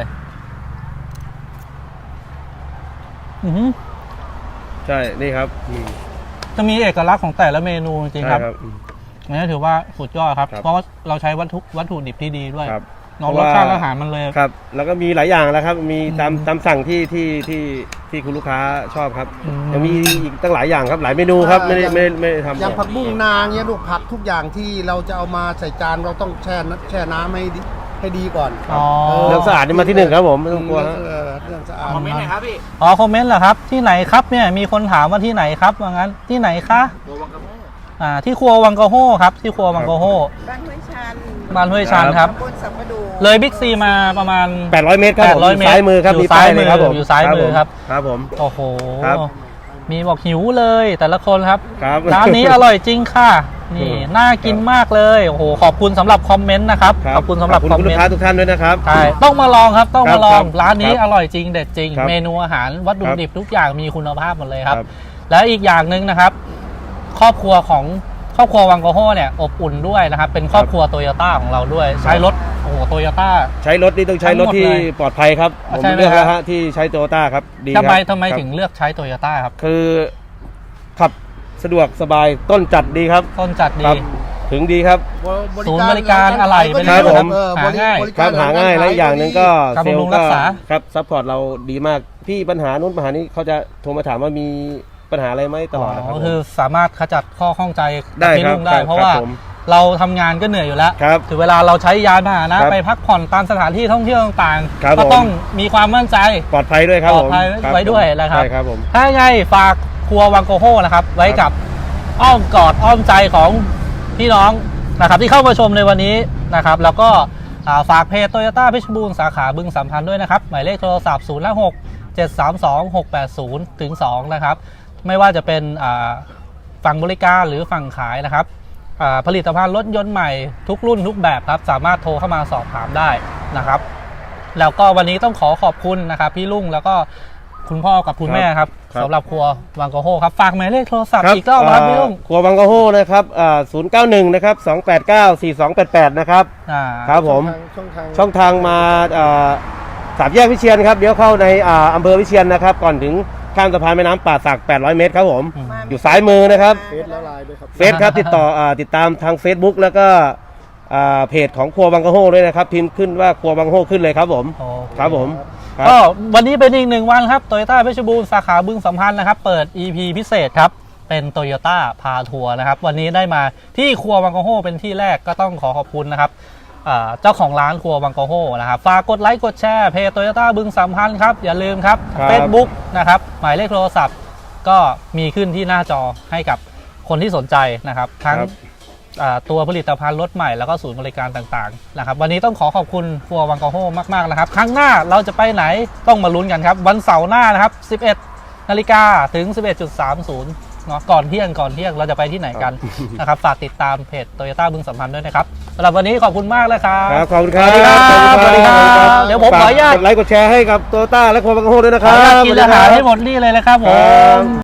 Speaker 2: อือหือ
Speaker 6: ใช่นี่ครับอืม
Speaker 2: จะมีเอกลักษณ์ของแต่ละเมนูจริงๆ
Speaker 6: ใช่
Speaker 2: ครับ
Speaker 6: ครับอืม
Speaker 2: อันนี้ถือว่าสุดยอดครับ
Speaker 6: ครับ
Speaker 2: เพราะว่าเราใช้วัตถุวัตถุดิบที่ดีด้วย
Speaker 6: ครับ
Speaker 2: เนาะ
Speaker 6: เพ
Speaker 2: ร
Speaker 6: ราะ
Speaker 2: ส
Speaker 6: ว่า
Speaker 2: ชาติอาหารมันเลย
Speaker 6: ครับ แล้วก็มีหลายอย่างแล้วครับ มีตาม
Speaker 2: อืม
Speaker 6: ตามสั่งที่ที่ที่ที่คุณลูกค้าชอบครับ
Speaker 2: อืม
Speaker 6: ยังมีอีกตั้งหลายอย่างครับ หลายเมนูครับ ไม่ได้ไม่ได้ไม่ได้ทำ
Speaker 4: อย่างผักบุ้งนางเนี่ยลูกผักทุกอย่างที่เราจะเอามาใส่จานเราต้องแช่น้ำแช่น้ำให้ดีให้ดีก่อน
Speaker 2: อ๋อ
Speaker 6: เรื่องสะอาดนี่มาที่หนึ่งครับผมไม่ต้องกลัวฮะ
Speaker 4: เออเรื่องสะอาด
Speaker 1: คอมเมนต์หน่อยครับพี่
Speaker 2: อ๋อคอมเมนต์เหรอครับ ที่ไหนครับเนี่ยมีคนถามว่าที่ไหนครับว่างั้นที่ไหนคะ
Speaker 1: ตัววังกะโฮ
Speaker 2: อ่าที่ครัววังกะโฮครับที่ครัววังกะโฮ
Speaker 3: บ้านห้วยชัน
Speaker 2: บ้านห้วยชันครับ
Speaker 3: ตำบลสัมปะดู
Speaker 2: เลยบิ๊กซีมาประมาณ
Speaker 6: แปดร้อยเมตรครับผม
Speaker 2: แปดร้อย
Speaker 6: อยู่ซ้ายมือครับ
Speaker 2: เมตร
Speaker 6: มีป้ายเลยครับผม
Speaker 2: อยู่ซ้ายมือครับ
Speaker 6: ครับผม
Speaker 2: โอ้โห
Speaker 6: ครับ
Speaker 2: มีบอกหิวเลยแต่ละคนครับ
Speaker 6: ครับ
Speaker 2: ร้านนี้อร่อยจริงค่ะ นี่
Speaker 6: อืม
Speaker 2: น่ากินมากเลยโอ้โหขอบคุณสำหรับคอมเมนต์นะครับ
Speaker 6: ครับ
Speaker 2: ขอบคุณสำหรับ
Speaker 6: ขอบ
Speaker 2: คอ
Speaker 6: คุ
Speaker 2: ม
Speaker 6: ณ
Speaker 2: เม
Speaker 6: ลู
Speaker 2: น
Speaker 6: กค้า
Speaker 2: ต์
Speaker 6: ทุกท่านด้วยนะครับ
Speaker 2: ใช่ต้องมาลองครับต้องมาลอง
Speaker 6: ครับ
Speaker 2: ร้านนี้
Speaker 6: ครับ
Speaker 2: อร่อยจริงเด็ดจริง
Speaker 6: ครับ
Speaker 2: เมนูอาหารวัตถุ
Speaker 6: ครับ
Speaker 2: ดิบทุกอย่างมีคุณภาพหมดเลยครับ
Speaker 6: ครับ
Speaker 2: และอีกอย่างหนึ่งนะครับ ครอบครัวของครอบครัววังโกโฮเนี่ยอบอุ่นด้วยนะครับ เป็นครอบครัวโตโยต้าของเราด้วย ใช้รถโอ้โหโตโยต้า
Speaker 6: ใช้รถนี่ต้องใช้รถที่
Speaker 2: ทั้งหมดเลย
Speaker 6: ปลอดภัยครับ
Speaker 2: อ่ะ
Speaker 6: ผม
Speaker 2: ใช่ไหม
Speaker 6: เลือก
Speaker 2: ครับ
Speaker 6: แล้วฮะที่ใช้โตโยต้าครับดีค
Speaker 2: ทำ
Speaker 6: รับ
Speaker 2: ไมทำไม
Speaker 6: ครับ
Speaker 2: ถึงเลือกใช้โตโยต้าครับ
Speaker 6: คือขับสะดวกสบายต้นจัดดีครับ
Speaker 2: ต้นจัดดี
Speaker 6: ครับ ถึงดีครับ
Speaker 2: ศูนย์บริการอะไรเป็น
Speaker 6: ครับผม
Speaker 4: เออ
Speaker 2: หาง่าย
Speaker 4: บริ
Speaker 6: ครั
Speaker 4: ก
Speaker 6: บหาง่ายและอีกอย่างหนึ่งก็
Speaker 2: การ
Speaker 6: เซล
Speaker 2: บำรุง
Speaker 6: ล์
Speaker 2: รั
Speaker 6: ก็
Speaker 2: กษา
Speaker 6: ครับซัพพอร์ตเราดีมากพี่ปัญหานู้นปัญหานี้เขาจะโทรมาถามว่ามีปัญหาอะไรไหมตลอดนะครับ
Speaker 2: ก็คือสามารถขจัดข้อข้องใจ
Speaker 6: ได้
Speaker 2: กับพี่
Speaker 6: ครับ
Speaker 2: ลุงได้
Speaker 6: ครับ
Speaker 2: เพราะว่า
Speaker 6: ครับผม
Speaker 2: เราทำงานก็เหนื่อยอยู่แล้ว
Speaker 6: ครับ
Speaker 2: ถึงเวลาเราใช้ยานพาหนะครับ ไปพักผ่อนตามสถานที่ท่องเที่ยวต่าง
Speaker 6: ครับ
Speaker 2: ๆ ก็
Speaker 6: ผม
Speaker 2: ต้องมีความมั่นใจ
Speaker 6: ปลอดภัยด้วยครับ
Speaker 2: ปล
Speaker 6: ผ
Speaker 2: อด
Speaker 6: ม
Speaker 2: ภัย
Speaker 6: ครับ
Speaker 2: ไว้ด้วยนะครับ
Speaker 6: ใช่ครับผม
Speaker 2: ถ้าไงฝากครัววังโกโฮนะครับ ไว้กับอ้อมกอดอ้อมใจของพี่น้องนะครับ ที่เข้ามาชมในวันนี้นะครับ แล้วก็อ่าฝากเพจโตโยต้าเพชรบูรณ์สาขาบึงสามพันธ์ด้วยนะครับ หมายเลขโทรศัพท์ศูนย์หก เจ็ดสามสอง หกแปดศูนย์ถึงสองนะครับ ไม่ว่าจะเป็นอ่าฝั่งบริการหรือฝั่งขายนะครับอ่าผลิตภัณฑ์รถยนต์ใหม่ทุกรุ่นทุกแบบครับ สามารถโทรเข้ามาสอบถามได้นะครับแล้วก็วันนี้ต้องขอขอบคุณนะครับพี่ลุงแล้วก็คุณพ่อกับคุณแม่ครับ
Speaker 6: ครับ
Speaker 2: สำหรับครัววังกะโฮครับฝากหมายเลขโทรศัพท์
Speaker 6: ครับ
Speaker 2: อีกรอบครับพี่ลุง
Speaker 6: ครัวบางกะโฮนะครับอ่าศูนย์เก้าหนึ่งนะครับสองแปดเก้าสี่สองแปดแปดนะครับ
Speaker 2: อ่า
Speaker 6: ครับผม
Speaker 5: ช่องทาง
Speaker 6: ช่องทางมาอ่าสามแยกวิเชียนครับเดี๋ยวเข้าในอ่าอำเภอวิเชียนนะครับก่อนถึงข้ามสะพานแม่น้ำป่าสักแปดร้อยเมตรครับผมอยู่ซ้ายมือนะครับ
Speaker 5: เฟซและไลน์ด้วยครับ
Speaker 6: เฟซครับติดต่ออ่าติดตามทาง Facebook แล้วก็อ่าเพจของครัวบางกะโฮด้วยนะครับพิมพ์ขึ้นว่าครัวบางกะโฮขึ้นเลยครับผม
Speaker 2: โอเค
Speaker 6: ครับผมครับ
Speaker 2: ก็วันนี้เป็นอีกหนึ่งวันครับโตโยต้าเพชรบูรณ์สาขาบึงสัมพันธ์นะครับเปิด อี พี พิเศษครับเป็นโตโยต้าพาทัวร์นะครับวันนี้ได้มาที่ครัววังกะโฮเป็นที่แรกก็ต้องขอขอบคุณนะครับอ่าเจ้าของร้านครัววังกะโฮนะครับฝากกดไลค์กดแชร์เพจโตโยต้าบึงสัมพันธ์ครับอย่าลืมครับ
Speaker 6: ครับ
Speaker 2: Facebook นะครับหมายเลขโทรศัพท์ก็มีขึ้นที่หน้าจอให้กับคนที่สนใจนะครับทั้ง
Speaker 6: ครับ
Speaker 2: อ่าตัวผลิตภัณฑ์รถใหม่แล้วก็ศูนย์บริการต่างๆนะครับวันนี้ต้องขอขอบคุณครัววังกะโฮมากๆนะครับครั้งหน้าเราจะไปไหนต้องมาลุ้นกันครับวันเสาร์หน้านะครับสิบเอ็ดนาฬิกาถึง สิบเอ็ดจุดสามศูนย์ เนาะก่อนเที่ยงก่อนเที่ยงเราจะไปที่ไหนกันนะครับฝากติดตามเพจโตโยต้าบึงสัมพันธ์ด้วยนะครับสำหรับวันนี้ขอบคุณมากเลยครับ
Speaker 6: ครับขอบคุณครับ
Speaker 2: สวัสดีครับ
Speaker 6: ขอบคุณ
Speaker 2: สวัสดีครับเดี๋ยวผมขออนุญาต
Speaker 6: กดไลค์กดแชร์ให้กับโตโยต้าและครัวบางกะโฮด้วยนะค
Speaker 2: ขอ
Speaker 6: รับ
Speaker 2: อนุญาตกินอาหารให้หมดนี่เลยนะครับผม